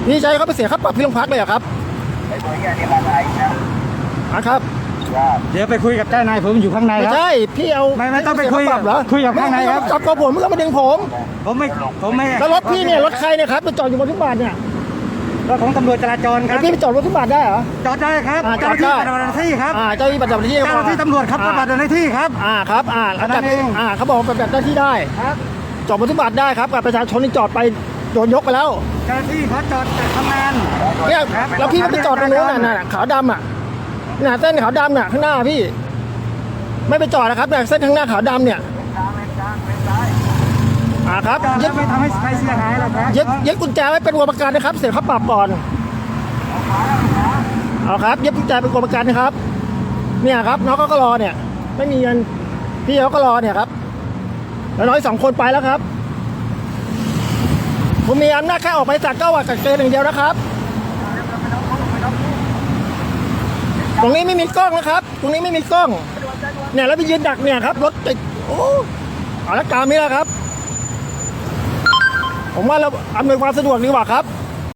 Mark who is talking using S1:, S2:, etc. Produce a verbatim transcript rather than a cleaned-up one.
S1: พี่ใช้เขาไปเสียค่าปรับที่โรงพักเลยเหรอครับไอ้ตัวนี้นี่มาไอ้นะอ่ะครับ
S2: เดี๋ยวไปคุยกับเจ้านายผมอยู่ข้างในครับ
S1: ไม่ใช่พี่เอา
S2: ไม่ไม่ต้องไปคุย
S1: ปรับเหรอ
S2: คุยกับข้างในครับ
S1: จับกับผมไม่ต้องมาดึงผม
S2: ผมไม่ผมไม่
S1: แล้วรถพี่เนี่ยรถใครเนี่ยครับไปจอดอยู่บนฟุตบาทเนี่ย
S2: รถของตำรวจจราจรครับ
S1: พี่ไปจอดบนฟุตบาทได้เหรอ
S2: จอดได้ครับเจ้าหน้าที่ปฏิบัติหน้าที่ครับ
S1: เจ้าหน้าที่ปฏิบัติหน้าที่
S2: เจ้าหน้าที่ตำรวจครับปฏิบัติหน้าที่ครับ
S1: อ่าครับอ่าแล้วแต่อ่าเขาบอกปฏิบัติหน้าที่ได้
S2: ครับ
S1: จอดบนฟุตบาทได้ครับกับประชาชนที่จอดไปโดนยกไปแล้ว
S2: เจ้าหน้าที่เขาจอดทำงาน
S1: เนี่ยแล้วพี่ก็ไปจอดตรงนู้นน่ะขาวดำอ่ะน่ะเส้นขาวดำน่ะข้างหน้าพี่ไม่ไปจอดนะครับเนี่ยเส้นข้างหน้าขาวดำเนี่ยอ่าครับ
S2: ยึดไม่ทำให้ใครเสียหายหรอกครับ
S1: ยึดยึดกุญแจไว้เป็นตัวประกันนะครับเสียค่าปรับก่อนเอาครับยึดกุญแจเป็นตัวประกันนะครับเนี่ยครับน้องก็รอเนี่ยไม่มีเงินพี่เขาก็รอเนี่ยครับแล้วน้อยสองคนไปแล้วครับผมมีอำนาจแค่ออกไปจากเก้าวัดกับเกณฑ์อย่างเดียวนะครับตรงนี้ไม่มีกล้องนะครับตรงนี้ไม่มีกล้องเนี่ยแล้วไปยืนดักเนี่ยครับรถติดโอ้เอาละตามนี้แหละครับผมว่าเราอำนวยความสะดวกดีกว่าครับ